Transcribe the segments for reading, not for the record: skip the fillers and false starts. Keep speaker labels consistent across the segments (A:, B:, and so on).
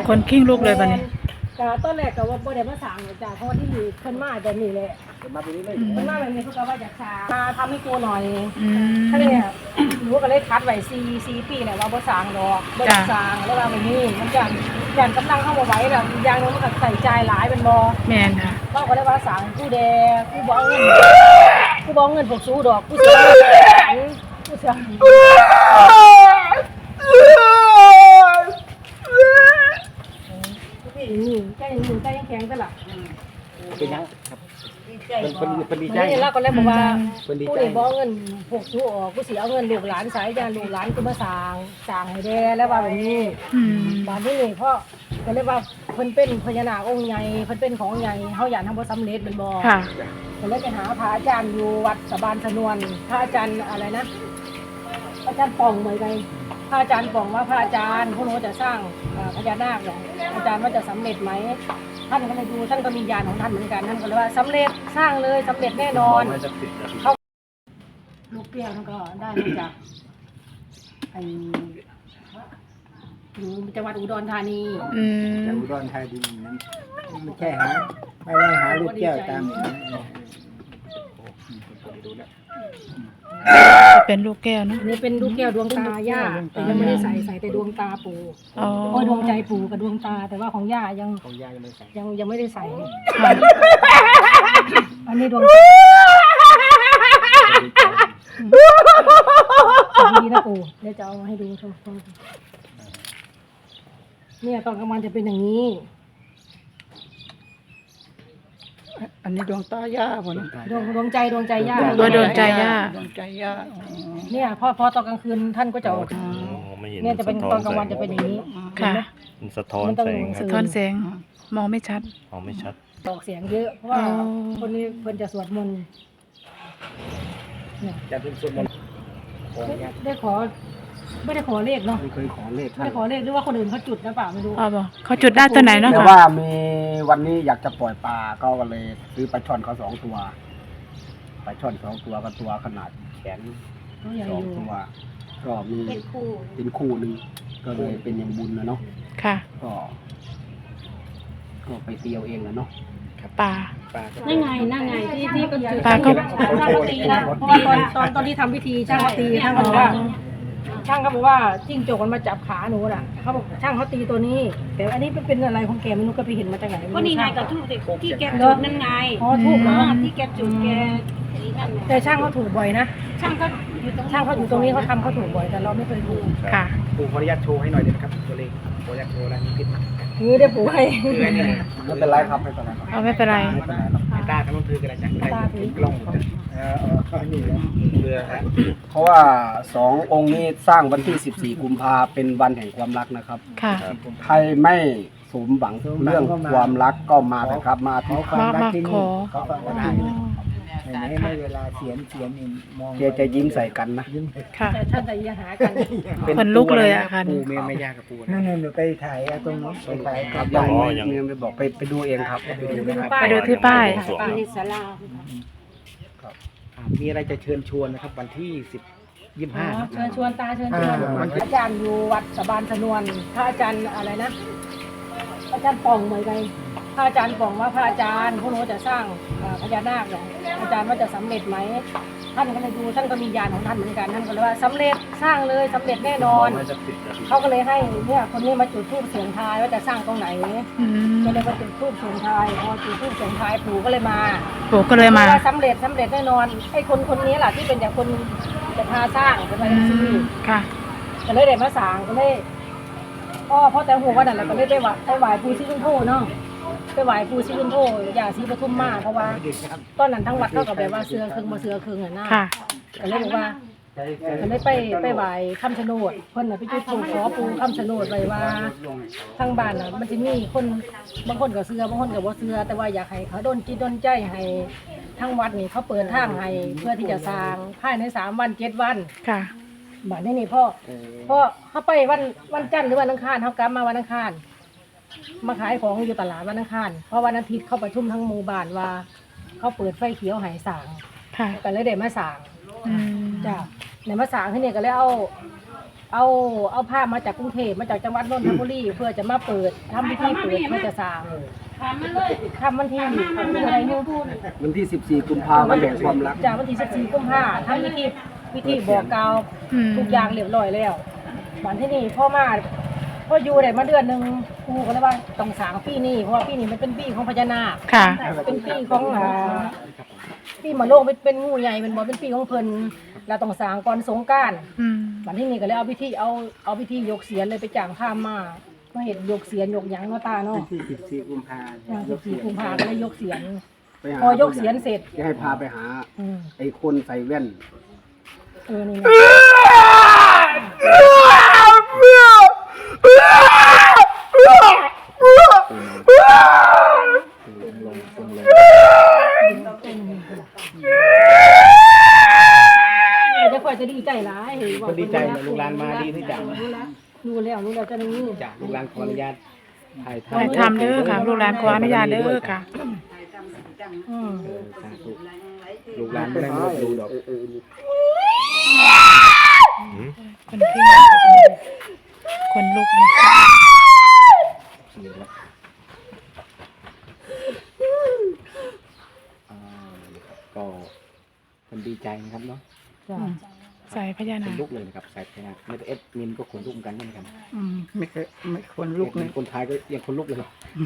A: คนขิ้งลูกเลยบัดนี้
B: ก็ตอนแรกก็ว่าบ่ได้มาสั่งจ้ะเพราะที่เพิ่นมาแบบนี้แหละเพิ่นมาแบบนี้เพิ่นก็ว่าอยากสั่งมาทำให้กูหน่อยถ้าเนี่ยหนูก็เลยคัดไว้4ปีแล้วว่าบ่สั่งดอกบ่อยากสั่งแล้วว่าแบบนี้มันย่านกำลังเข้าบ่ไหวแล้วอย่างนึงมันก็ใส่ใจหลายเป็นบ่
A: แม่นค่ะ
B: เราก็เลยว่าสั่งกูแดกูบ่เอาเงินพวกสู้ดอกกูสิกูสิใจยังแข็งตลอด
C: เป็นยังครับเป็นดีใจ
B: แล้วก็เลยบอกว่ากูนี่บ่เงินพวกสู้ออกกูสิเอาเงินลูกหลานสายยานลูกหลานกูมาสร้างให้แด่แล้วว่าแบบนี้บ้านนี้นี่เพราะก็เลยว่าเพิ่นเป็นพญานาคองค์ใหญ่เพิ่นเป็นของใหญ่เฮาอยากทำบ่สำเร็จเป็นบ่
A: ค่ะ
B: ก็เลยไปหาพระอาจารย์อยู่วัดสะบานสนวนพระอาจารย์อะไรนะอาจารย์ป่องเหมือนกันพระอาจารย์ป่องว่าพระอาจารย์พวกหนูจะสร้างพญานาคเนี่ยอาจารย์ว่าจะสำเร็จไหมท่านก็เลยดูท่านก็มีญาณของท่านเหมือนกันท่านก็เลยว่าสำเร็จสร้างเลยสำเร็จแน่นอนเขาลูกเปรี้ยวท่านก็ได้มาจากอยู่จังหวัดอุดรธานี
C: จากอุดรธานีนั้นไม่ใช่หาไม่ได้หาลูกแก้วตาม
A: เป็นลูกแก้วนะ
B: นี่เป็นลูกแก้วดวงตาย่าแต่ยังไม่ได้ใส่แต่ดวงตาปู่ดวงใจปู่กับดวงตาแต่ว่าของย่ายังไม่ได้ใส่อันนี้ดวงดีนะปู่เดี๋ยวจะเอามาให้ดูชมเนี่ยตอนกลางวันจะเป็นอย่างนี้
C: อันนี้ดวงตาย่าบ่นะ
B: ดวงใจย่า
A: ตัวดวงใจย่า
B: เนี่ยพอตอนกลางคืนท่านก็จะออกเนี่ยจะเป็นตอนกลางวันจะเป็นอย่างนี้
A: ค่ะ
D: มันสะท้อนแส
A: งมองไม่ชัด
B: ออกเสียงเยอะเพราะว่าคนนี้เพิ่นจะสวดมนต์
C: จะเป็นสวดมนต์
B: ไม่ได้ขอเลขเนาะ
C: ไม่เคยขอเลข
B: ไม่ได้ขอเลขหรือว่าคนอื่นเขาจุดนะป่าไม่รู้
A: เขาจุดได้ตัวไหนเนาะ
C: แต่ว่ามีวันนี้อยากจะปล่อยปลาก็เลยซื้อปลาช่อนเขา2 ตัวปลาช่อน2 ตัวกับตัวขนาดแขน2 ตัวก็มีเป็นคู่นึงก็เลยเป็นอย่างบุญนะเนาะ
A: ค่ะ
C: ก็ไปเตียวเองนะเนาะ
A: ปลา
B: นั่นไงที่ก็จุดปลาก็ช่างตีนะเพราะว่าตอนที่ทำพิธีช่างตีช่างเขาบอกว่าจิ้งจกมันมาจับขาหนูน่ะเขาบอกช่างเขาตีตัวนี้แต่อันนี้เป็นอะไรของแกไม่รู้ก็ไปเห็นมาจากไหน
E: ก็นี่ไงกับทูบที่แกจุดนั่นไง
B: อ๋อทูบเนาะ
E: ที่แกจุดแก
B: แต่ช่างเขาถูกบ่อยนะช่างเขาอยู่ตรงนี้เขาทำเขาถูกบ่อยแต่เราไม่เคยถูก
A: ค่ะ
C: ปู่ขออนุญาตโชว์ให้หน่อยได้ไหมครับตัวเลขขออนุญาตโชว์แล้วนี่ผิด
B: นี่ได้ปู่ให้
C: ไม่เป็นไรครับไม่เป็นไร
A: ไม่เป็นไร
C: ตาทั้งนั้นคือกันจ้ะตาถือกล้องนี่เพราะว่า2 องค์นี้สร้างวันที่14 กุมภาเป็นวันแห่งความรักนะครับใครไม่สมหวังเรื่องความรักก็มาเถอะครับมาที่ความรักที่นี่ก็ได้ไม่เวลาเสียนนี่มองจะยิ้มใส่กันนะ
A: ค่ะ
B: แต่ท่านจะยังหากัน
A: คนลุกเลยอะค่ะ
C: ปูไม่ยากกับปูนั่นหนูไปถ่ายตรงนู้นไปถ่ายกับยังไม่บอกไปดูเองครับ
A: ไปดูที่ป้าย
B: ศาลา
C: มีอะไรจะเชิญชวนนะครับวันที่25
B: เชิญชวนอาจารย์อยู่วัดสะบานสนวนพระอาจารย์อะไรนะอาจารย์ป่องเหมือนกันพระอาจารย์ป่องว่าพระอาจารย์พวกหนูจะสร้างพญานาคเนี่ยอาจารย์ว่าจะสำเร็จไหมท่านก็เลยดูท่านก็มีญาณของท่านเหมือนกันท่านก็เลยว่าสำเร็จสร้างเลยสำเร็จแน่นอนเขาก็เลยให้เนี่ยคนนี้มาจุดธูปเสียงทายว่าจะสร้างตรงไหนก็เลยมาจุดธูปเสียงทายพอจุดธูปเสียงทายปู่ก็เลยมาสำเร็จแน่นอนไอ้คนนี้แหละที่เป็นอย่างคนจะพาสร้างเป็นอะไรที่
A: ค่ะ
B: ก็เลยได้มาสร้างก็เลยพ่อแต่หัววันนั้นเราก็เลยได้ไหว้ปู่ศรีสุโธเนาะไปไหว้ปู่ศรีสุโธย่าศรีปทุมมาเพราะว่าตอนนั้นทั้งวัดเท่ากับแบบว่าเสือครึ่งมาเสือครึ่งอ่ะนะก็เลยบอกว่าก็เลยไปไหว้คำชะโนดคนน่ะไปจุดธูปขอปู่คำชะโนดไว้ว่าทางบ้านน่ะมันจะมีคนบางคนก็เสือบางคนก็บ่เสือแต่ว่าอยากให้เขาดลจิตดลใจให้ทั้งวัดนี่เขาเปิดทางให้เพื่อที่จะสร้างภายใน3 วัน 7 วัน
A: ค่ะ
B: บ้านนี่พ่อเขาไปวันจันทร์หรือวันอังคารเขากลับมาวันอังคารมาขายของอยู่ตลาดวันอังคารเพราะวันอาทิตย์เขาประชุมทั้งหมู่บ้านว่าเขาเปิดไฟเขียวให้สร้างก็เลยได้มาสร้างจ้ะในมาสร้างที่นี่ก็เลยเอาเอาภาพมาจากกรุงเทพมาจากจังหวัดนนทบุรีเพื่อจะมาเปิดทำพิธีเปิดเพื่อจะสร้างทำวันที่อะไรนู่น
C: วันที่14กุมภาพันธ์วันแห่งความรัก
B: จากวันที่14กุมภาพันธ์ทำพิธีบอกกล่าว ทุกอย่างเรียบร้อยแล้ววันที่นี่พ่ออยู่ได้มาเดือนหนึงครูก็เลยว่าต้องสร้างปีนี้เพราะว่าปีนี้มันเป็นปีของพญานาค
A: ค่ะ
B: เป็นปีของปีมะโลงเป็นงูใหญ่เป็นบ่เป็นปีของเพิ่นเราต้องสร้างก่อนสงกรานต์
A: อืม
B: วันที่นี่ก็เลยเอาพิธียกเสียนเลยไปจ้างพราหมณ์มาเห็นยกเสียนยกหยังเนาะตาเนาะ
D: ที่14กุมภาพันธ์
B: 14กุมภาพันธ์ก็เลยยกเสียน
C: ไปหา
B: พอยกเสียนเสร็จ
C: จะให้พาไปหา
B: อืม
C: ไอ้คนใส่แว่น
B: นี่นะ จะคอยจะดีใจร้าย
D: ก็ดีใจนะลูกหลานมาดีที่จัง
B: รู้แล้วจะนี่
D: จากลูกหลานขออนุญาตถ่าย
A: ให้ทำเด้อค่ะ ลูกหลานขออนุญาตเด้อค่ะ
D: สาธุลูกหลานไม่ได้มาดูดอก
A: คนขึ้นคนลุกเนี่ย
D: ก็คนดีใจนะครับเนาะ
A: ใส่พญา
D: ข
A: นาน ค
D: ลุกเลยนะครับใส่พญานาคไม่ได้มินก็ขนลุกเหมือนกันเหมือนกัน
F: ไม่ควรลุกเลย
D: คนไทยก็ยังขนลุกเลย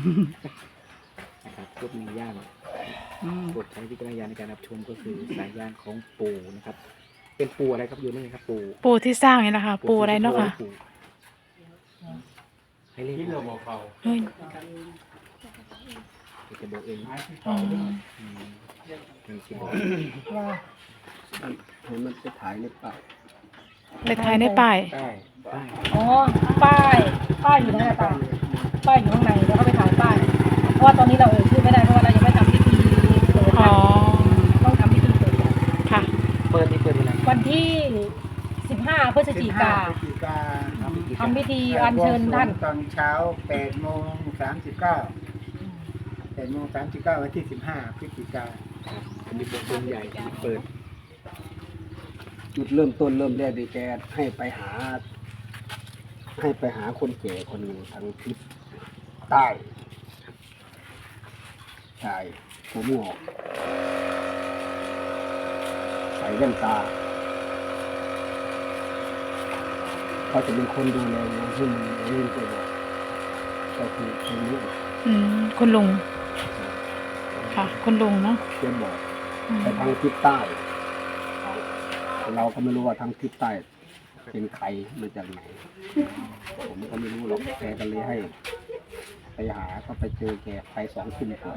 D: นะครับพุทธมีย่านโปรดใช้วิจารณญาณในการรับชมก็คือสายญาณของปู่นะครับ เป็นปู่อะไรครับอยู่นี่ครับปู่
A: ปูที่สร้างนี่นะคะ ปูอะไรเนาะค่ะ
D: ปู่ให้เรียกที่เราบอกเขา
A: เฮ้ย
D: จะบอกเอง
A: อ๋อ
D: มันสิบอก
C: ให้มันไปถ่ายในป่า
A: ไปถ่ายในป้าย
D: ได้ได้
B: อ๋อป้ายอยู่ไหนอะตาป้ายอยู่ข้างในเดี๋ยวเขาไปถ่ายป้ายเพราะว่าตอนนี้เราชื่อไม่ได้เพราะว่าเรายังไม่ทำพิธีเปิด
A: อ๋อ
B: ต้องทำพิธีเปิดก่อน
A: ค่ะ
D: เปิดวันไหน
B: วันที่15 พฤศจิกา
F: พฤศจิกา
B: ทำพิธีอัญเชิญท่าน
F: ตอนเช้า8:39 8:39วันที่15 พฤศจิกา
D: มีบทเพลงใหญ่เปิด
C: จุดเริ่มต้นเริ่มแรกดีแกให้ไปหาคนแก่คนหนึ่งทางทิศใต้ชายผมงอกใส่แว่นตาเขาจะเป็นคนดูแลงานที่มันเรื่องตัวก็คือคนนี้
A: อืมคุณลุง ค่ะ คุณลุงเนาะ
C: เขียนบอก
A: อืม
C: ไปทางทิศใต้ เราก็ไม่รู้ว่าทางทิศใต้เป็นใครมาจากไหน ผมก็ไม่รู้หรอกแกก็เลยให้ ไปหาก็ไปเจอแกไป2 ทุ่มกว่า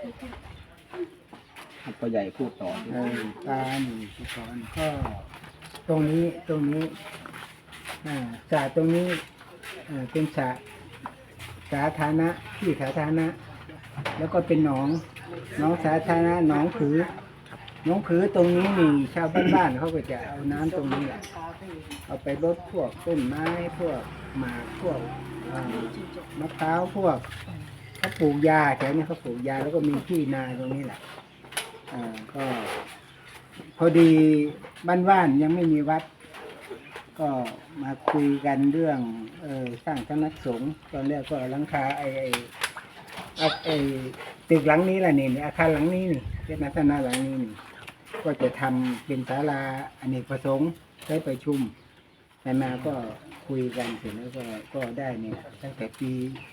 C: พ่อใหญ่พูดต่อ
F: ตาหนึ่งก่อนก็ตรงนี้สระตรงนี้เป็นสระสาธารณะที่สาธารณะแล้วก็เป็นหนองสาธารณะหนองผือตรงนี้นี่ชาวบ้านเขาก็จะเอาน้ำตรงนี้แหละเอาไปรดพวกต้นไม้พวกหมากพวกมะพร้าวพวกเขาปลูกยาแถวนี้เขาปลูกยาแล้วก็มีที่นาตรงนี้แหละก็พอดีบ้านยังไม่มีวัด ก็มาคุยกันเรื่องสร้างสำนักสงฆ์ตอนแรกก็หลังคาไอ้ตึกหลังนี้แหละนี่อาคารหลังนี้นี่เป็นลักษณะหลังนี้นี่ก็จะทำเป็นศาลาอเนกประสงค์ใช้ประชุมแต่มาก็คุยกันเสร็จแล้วก็ได้เนี่ยตั้งแต่ปี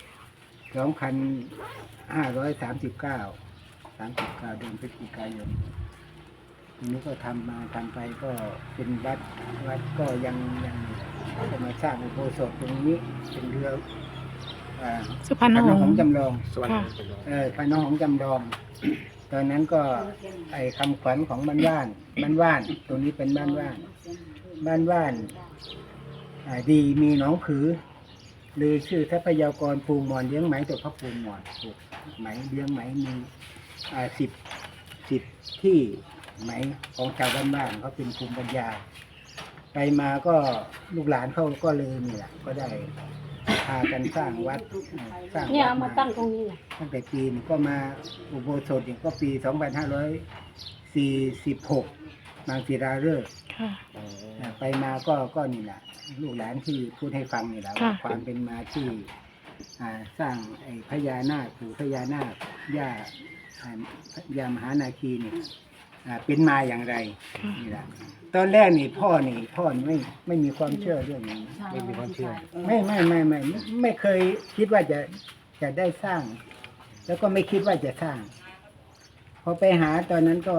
F: 2539 เดือนพฤศจิกายนทีนี้ก็ทำไปก็เป็นวัดก็ยังก็มาสร้างอุโบสถตรงนี้เป็นเรือ
A: สุพรรณ
F: พระ
A: ห
F: น
A: ง
F: หง
A: ส์
F: ส์จำลอง
D: สวัสดีครับ
F: พระนหงส์จำลอง ตอนนั้นก็ไอ้คำขวัญของบ้านว่านตรงนี้เป็นบ้านว่านดีมีหนองผือหรือชื่อทรัพยากรปูหมอนเลี้ยงไหมตัวพระปูหมอนปลูกไหมเลี้ยงไหมมี10ที่ไหมของชาวบ้านเขาเป็นภูมิปัญญาไปมาก็ลูกหลานเขาก็เลยนี่แหละก็ได้พากันสร้างวัดสร้าง
B: เนี่ย
F: วั
B: เอา
F: ด
B: มาตั้งตรงนี้แหละ
F: ตั้งแต่ปีนี้ก็มาอุโบสถอีกก็ปี 2546 มังศิราฤกษ์
A: ค่ะ
F: ไปมาก็นี่แหละลูกหลานที่พูดให้ฟังนี่แหละ
A: ค่ะ
F: ว่าความเป็นมาที่สร้างไอ้พญานาคปู่พญานาคย่ามหานาคีนี่เป็นมาอย่างไรนี่แหละตอนแรกนี่พ่อไม่มีความเชื่อเรื่องนี้
D: ไม่มีความเชื่อ
F: ไม่เคยคิดว่าจะได้สร้าง แล้วก็ไม่คิดว่าจะสร้าง พอไปหาตอนนั้นก็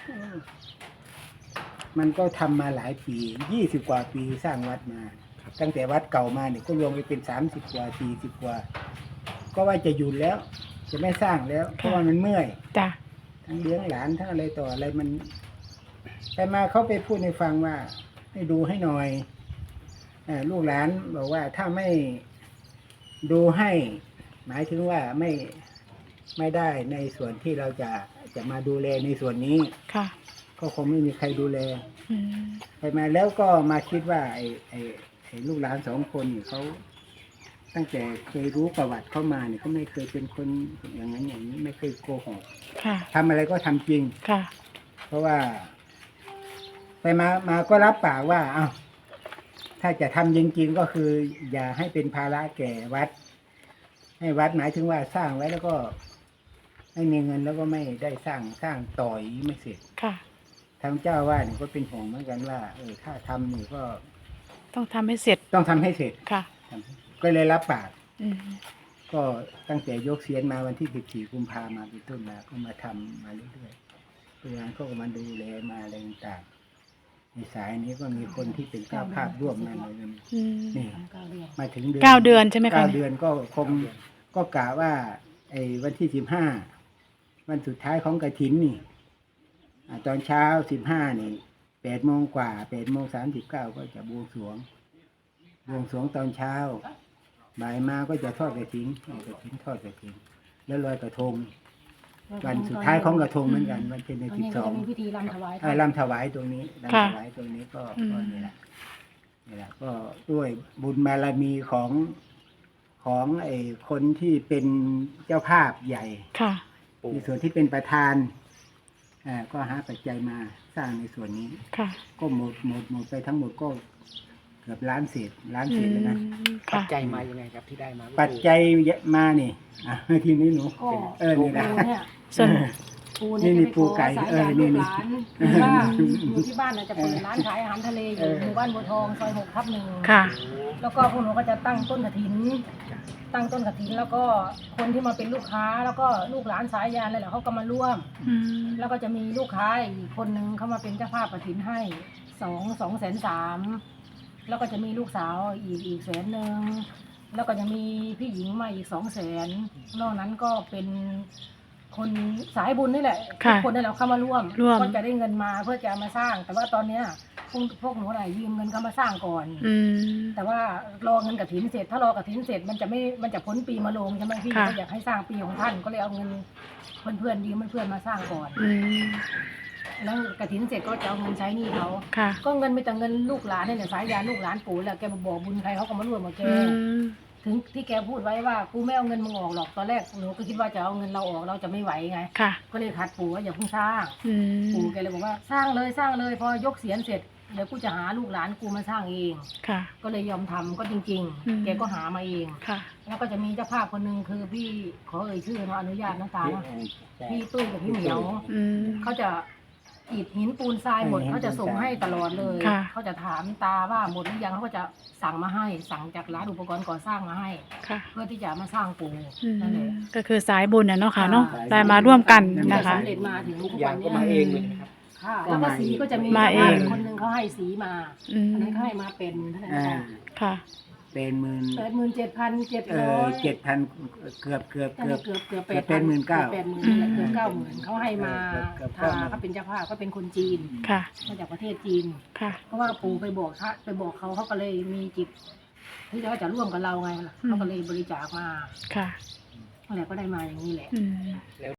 F: มันก็ทำมาหลายปี20 กว่าปีสร้างวัดมา ตั้งแต่วัดเก่ามาเนี่ยก็รวมไปเป็น30 กว่า40 กว่า ก็ว่าจะหยุดแล้ว จะไม่สร้างแล้ว เพราะว่ามันเมื่อย
A: จ้ะ
F: ทั้งเลี้ยงหลานทั้งอะไรต่ออะไรมันไปมาเขาไปพูดให้ฟังว่าให้ดูให้หน่อยลูกหลานบอกว่าถ้าไม่ดูให้ หมายถึงว่าไม่ได้ในส่วนที่เราจะมาดูแลในส่วนนี้
A: ค่ะ
F: ก็คงไม่มีใครดูแล
A: อืม
F: ไปมาแล้วก็มาคิดว่าไอ้ลูกหลาน2 คนนี่เขาตั้งแต่เคยรู้ประวัติเข้ามาเนี่ยเขาไม่เคยเป็นคนอย่างนั้นอย่างนี้ไม่เคยโกหก
A: ค่ะ
F: ทำอะไรก็ทำจริง
A: ค่ะ
F: เพราะว่า ไปมาก็รับปากว่าเอ้าถ้าจะทำจริงๆก็คือ อย่าให้เป็นภาระแก่วัด ให้วัดหมายถึงว่าสร้างไว้แล้วก็ไม่มีเงินแล้วก็ไม่ได้สร้างต่อยไม่เสร็จ
A: ค่ะ
F: ทางเจ้าว่านี่ก็เป็นห่วงเหมือนกันว่าถ้าทำนี่ก็
A: ต้องทำให้เสร็จ
F: ต้องทำให้เสร็จ
A: ค่ะ
F: ก็เลยรับปาก
A: อืม
F: ก็ตั้งแต่ยกเสียนมาวันที่14 กุมภามาเป็นต้นมาก็มาทำมาเรื่อยๆตัวงานเขาก็มาดูแลมาอะไรต่างๆในสายนี้ก็มีคนที่เป็นเจ้าภาพร่วมมาเลย
A: อืม
F: นี่มาถึง
A: 9 เดือนใช่ไหมคะ
F: 9 เดือนก็คงก็กะว่าไอ้วันที่15วันสุดท้ายของกฐินนี่ตอนเช้า15นี่8 โมงกว่า8 โมง 39ก็จะบวงสรวงตอนเช้าบ่ายมาก็จะทอดกฐินทอดกฐินแล้วลอยกระทงวันสุดท้ายของกระทงเหมือนกันวันที่
B: ตอนนี้ก็จะมีพิธีรำถวาย
F: 12รำถวายตรงนี้รำถวายตรงนี้ก็นี่แหละก็ด้วยบุญบารมีของไอ้คนที่เป็นเจ้าภาพใหญ่
A: ค่ะ
F: ในส่วนที่เป็นประธานก็หาปัจจัยมาสร้างในส่วนนี้
A: ค่ะ
F: ก็หมดไปทั้งหมดก็เกือบล้านเศษแล้วนะ
D: ปั
A: ค่ะ
D: จจัยมายังไงครับที่ได้มา
F: ปัจจัยมานี่ทีนี้หนู
B: ก็
F: นี่แหละ
B: ปูเนี่ย
A: ส่วน
B: ปูเนี่ย
F: นี่
B: จะไป
F: ปู
B: ขอ
F: ไก่
B: สาย
F: นี่
B: ยานลูกหลานหรือว่าอยู่ที่บ้านจะเปิดร้านขายอาหารทะเลอยู่หมู่บ้านบัวทองซอย6/1
A: ค่ะ
B: แล้วก็พวกหนูก็จะตั้งต้นกฐิน แล้วก็คนที่มาเป็นลูกค้าแล้วก็ลูกหลานสายยานอะไรแหละเขาก็มาร่วม
A: อืม
B: แล้วก็จะมีลูกค้าอีกคนนึงเขามาเป็นเจ้าภาพกฐินให้2,300,000แล้วก็จะมีลูกสาวอีก100,000แล้วก็จะมีพี่หญิงมาอีก200,000นอกนั้นก็เป็นคนสายบุญนี่แหละทุกคนนี่แหละเข้ามาร่วมก็จะได้เงินมาเพื่อจะมาสร้าง แต่ว่าตอนเนี้ยพวกหนูไหนยืมเงินเขามาสร้างก่อน
A: อืม
B: แต่ว่ารอเงินกฐินเสร็จถ้ารอกฐินเสร็จมันจะพ้นปีมะโรงใช่ไหมพี่
A: ค่ะ
B: ก็อยากให้สร้างปีของท่านก็เลยเอาเงินเพื่อนยืมเพื่อนมาสร้างก่อน
A: อืม
B: แล้วกฐินเสร็จก็จะเอาเงินใช้หนี้เขา
A: ค่ะ
B: ก็เงินไปแต่เงินลูกหลานเนี่ยสายยานลูกหลานปู่แหละแกบอกบุญใครเขาก็มาร่วมกับแก
A: อืม
B: ถึงที่แกพูดไว้ว่ากูไม่เอาเงินมึงออกหรอกตอนแรกหนูก็คิดว่าจะเอาเงินเราออกเราจะไม่ไหวไง
A: ค่ะ
B: ก็เลยขัดปู่ว่าอย่าเพิ่งสร้าง
A: อืม
B: ปู่แกเลยบอกว่าสร้างเลยพอยกเสียนเสร็จเดี๋ยวกูจะหาลูกหลานกูมาสร้างเอง
A: ค่ะ
B: ก็เลยยอมทำก็จริง
A: อืม
B: ๆ แกก็หามาเอง
A: ค่ะ
B: แล้วก็จะมีเจ้าภาพคนหนึ่งคือพี่ขอเอ่ยชื่อเนาะอนุญาตนะตานะพี่ตุ้ยกับพี่เหมียว
A: อืม
B: เขาจะอิฐหินปูนทรายหมดเขาจะส่งให้ตลอดเลย
A: ค่ะ
B: เขาจะถามตาว่าหมดหรือยังเขาก็จะสั่งมาให้สั่งจากร้านอุปกรณ์ก่อสร้างมาให้
A: ค่ะ
B: เพื่อที่จะมาสร้างปู
A: อืม
B: นั่นแหละ
A: ก็คือสายบุญเนาะค่ะเนาะได้มาร่วมกัน
B: แต่
A: นะคะ
B: สำเร็จมาถึงทุก
D: ยา
B: วั
D: ง
B: น
D: ก็
B: เนี้ย
D: มาเองเลยนะครับ
B: ค่ะแล้วก็สีก็จะมี
A: มาเอง
B: คนหนึ่งเขาให้สีมา
A: อืม
B: อันนั้นเขาให้มาเป็นเท่าไหร่นะ
A: ค่ะ
F: เป็นหมื่น
B: 87,700
F: 7,000เกือบ
B: เกือบ
F: เป็น
B: 80,000
F: 19,000
B: เกือบ90,000เขาให้มา
F: เกือบ
B: เขาเป็นเจ้าภาพเขาเป็นคนจีน
A: ค่ะ
B: มาจากประเทศจีน
A: ค่ะ
B: เพราะว่าปู่ไปบอกเขาก็เลยมีจิตที่เขาจะร่วมกับเราไงล่ะเขาก็เลยบริจาคมา
A: ค่ะ
B: อะไรก็ได้มาอย่างนี้แหละ
A: อืม